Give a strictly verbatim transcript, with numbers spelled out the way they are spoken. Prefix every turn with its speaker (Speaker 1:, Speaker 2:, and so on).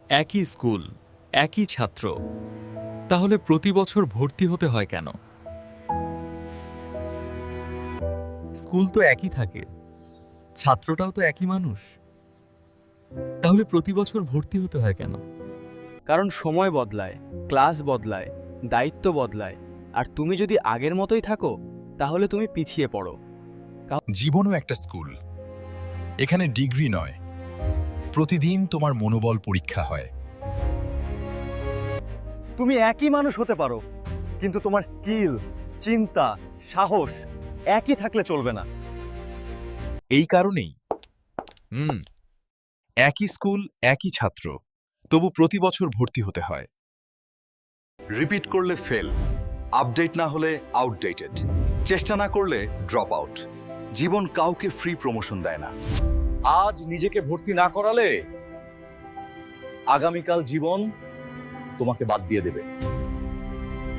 Speaker 1: একই স্কুল, একই ছাত্র, তাহলে প্রতি বছর ভর্তি হতে হয় কেন? স্কুল তো একই থাকে, ছাত্রটাও তো একই মানুষ, তাহলে প্রতি বছর ভর্তি হতে হয় কেন?
Speaker 2: কারণ সময় বদলায়, ক্লাস বদলায়, দায়িত্ব বদলায়, আর তুমি যদি আগের মতোই থাকো তাহলে তুমি পিছিয়ে পড়ো।
Speaker 3: জীবনও একটা স্কুল। এখানে ডিগ্রি নয়, প্রতিদিন তোমার মনোবল পরীক্ষা হয়।
Speaker 4: তুমি একই মানুষ হতে পারো, কিন্তু তোমার স্কিল, চিন্তা, সাহস একই থাকলে চলবে না।
Speaker 3: এই কারণেই হুম একই স্কুল, একই ছাত্র, তবু প্রতি বছর ভর্তি হতে হয়।
Speaker 5: রিপিট করলে ফেল, আপডেট না হলে আউটডেটেড, চেষ্টা না করলে ড্রপ আউট। জীবন কাউকে ফ্রি প্রমোশন দেয় না। আজ নিজেকে ভর্তি না করালে আগামীকাল জীবন তোমাকে বাদ দিয়ে দেবে।